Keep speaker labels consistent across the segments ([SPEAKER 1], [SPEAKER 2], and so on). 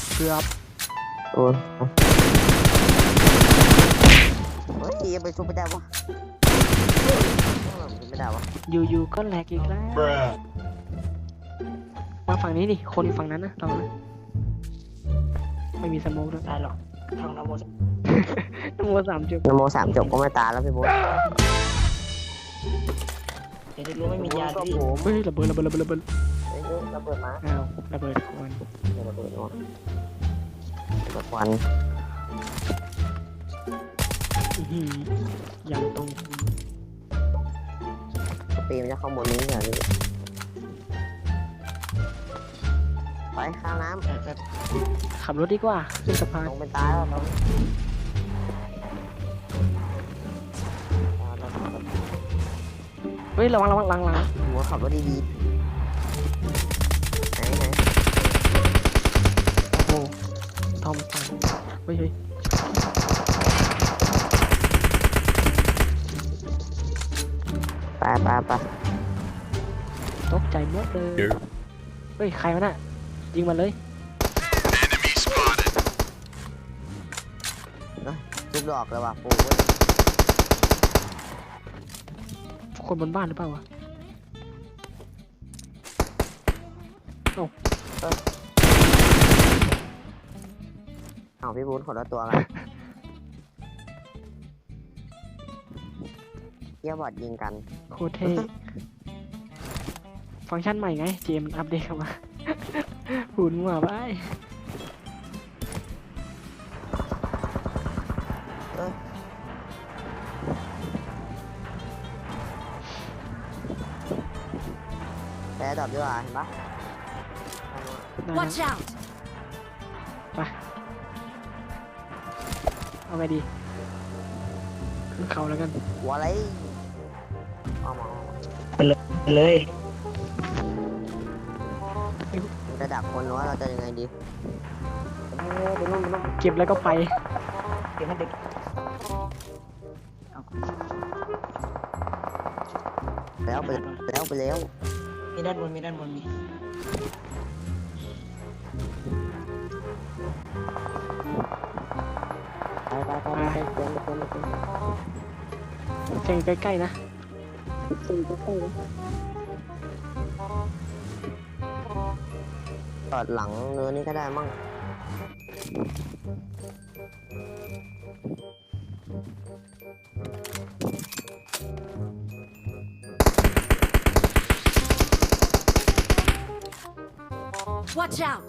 [SPEAKER 1] เกือบ
[SPEAKER 2] โอ้ยเฮ้ยยังไปชุบไม่ได้วะไม่ได้วะ
[SPEAKER 1] อยู่ก็แหลกอีกแล้วมาฝั่งนี้ดิคนฝั่งนั้นนะเรานะไม่มีสโมกด้วยตายหรอกทางนโมนโม3 จบ
[SPEAKER 2] นโม3 จบก็ไม่ตายแล้วพี่บุ๊ค
[SPEAKER 1] เดี๋ยวจะรู้ไม่มียาพี่เฮ้ยระเบิด
[SPEAKER 2] ระเบิดมา
[SPEAKER 1] อ้าวระเบิดควัน
[SPEAKER 2] ระเบิดควัน
[SPEAKER 1] ยังตรง
[SPEAKER 2] ปีมันจะเข้าบนนี้เหรอไปข้ามน้
[SPEAKER 1] ำขับรถดีกว่าขึ้นสะพาน
[SPEAKER 2] ลงไปตายแล้ว
[SPEAKER 1] เฮ้ยระวัง
[SPEAKER 2] หัวขับรถดีๆไหน
[SPEAKER 1] โอ้ทอมสันเฮ้ย
[SPEAKER 2] ไป
[SPEAKER 1] ตกใจหมดเลยเฮ้ยใครวะน่ะยิงมันเลย
[SPEAKER 2] ลูกดอกเลยว่ะปู
[SPEAKER 1] คนบนบ้านหรือเปล่าวะ
[SPEAKER 2] เอาพี่บูนขอละตัวกันเยี่ยบอดยิงกัน
[SPEAKER 1] โคตรเท่ฟังก์ชันใหม่ไงเจมอัปเดตเข้ามาหุ่นหัวไป
[SPEAKER 2] แพ้ดอกดีกว่าเห็นปะ
[SPEAKER 3] Watch out
[SPEAKER 1] ไปเอาไงดีขึ้นเขาแล้วกัน
[SPEAKER 2] หัวอะไรเอามา
[SPEAKER 1] ไปเลย
[SPEAKER 2] จะดักคนหรือว่าเราจะยังไงดี
[SPEAKER 1] เก็บแล้วก็ไปเก็บให้เด็ก
[SPEAKER 2] แล้ว
[SPEAKER 1] มีด้านบนมีเสียงใกล้ๆนะ
[SPEAKER 2] ตอดหลังเนื้อนี่ก็ได้มั่ง
[SPEAKER 3] Watch out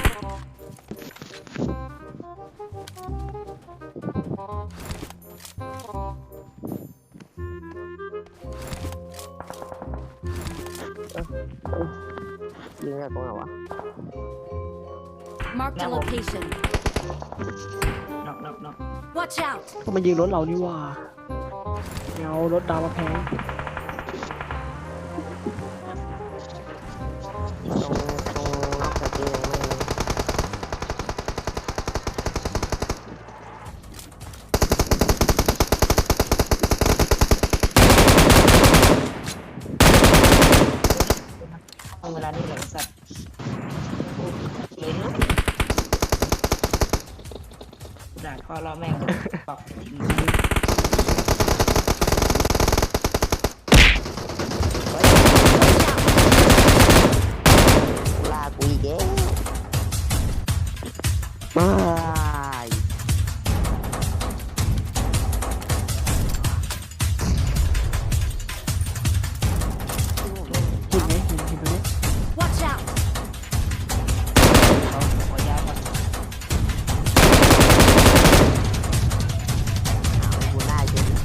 [SPEAKER 2] ยิงได้ตรงไหนวะ
[SPEAKER 3] Mark the location
[SPEAKER 1] knock
[SPEAKER 3] Watch out
[SPEAKER 1] ก็มันยิงรถเรานี่ว่าเงารถดาวมาแพงเวลานี้แหละสัตว์เลยนะด่าพ่อเราแม่งบอก
[SPEAKER 2] ลากูอีกเอ๊ะบาย
[SPEAKER 1] หินตรงนี้
[SPEAKER 3] Watch out
[SPEAKER 1] ขอยาก่อน
[SPEAKER 2] กูได้จริง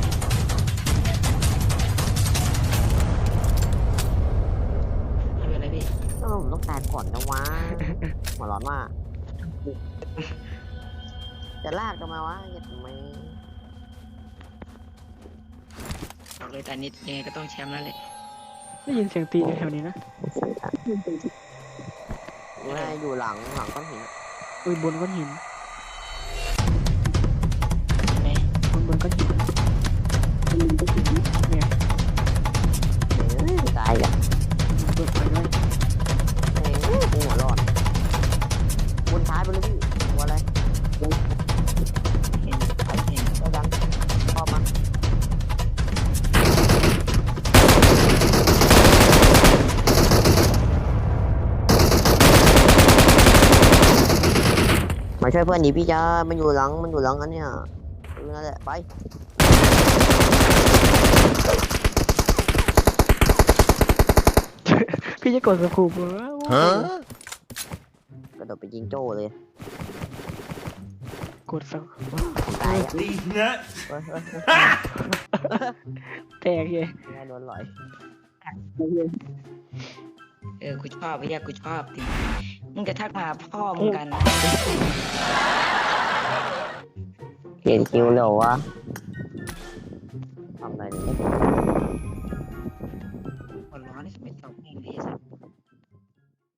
[SPEAKER 1] ไม่เป็นไรพี่
[SPEAKER 2] ผมต้องการก่อนนะวะหัวร้อนมากจะลากกันมาวะอย่าทำไม
[SPEAKER 1] บอกเลยแต่นิดยังไงก็ต้องแชมป์แล้วแหละได้ยินเสียงตีแถวนี้นะ
[SPEAKER 2] ไม่อยู่หลังก้อนหิน
[SPEAKER 1] อุ้ยบนก้อนหินบนก้อนหินเนี่ย
[SPEAKER 2] ตายอ่ะ
[SPEAKER 1] เปิดไฟด้วย
[SPEAKER 2] หัวร้อนบนท้ายบนช่วยเพื่อนดิพี่จ้ามันอยู่หลังอันเนี้ยนั่นแหละไป
[SPEAKER 1] พี่จะกดสกูปเหรอก
[SPEAKER 2] ระโดดไปยิงโจ้เลย
[SPEAKER 1] กดสกูป
[SPEAKER 2] ตายอ่ะ
[SPEAKER 4] These nuts.
[SPEAKER 2] เฮ้ย
[SPEAKER 1] แตกเลย
[SPEAKER 2] แม่โดนหลอย
[SPEAKER 5] กูชอบไอ้เหี้ยกูชอบดิมึงจะทักมาหาพ่อมึงกัน
[SPEAKER 2] เปลี่ยนคิวเร็ววะทำอะไรเนี่ย
[SPEAKER 5] หัวร้อนนี่ไม่ตอบแม่งเลยไอ้สัส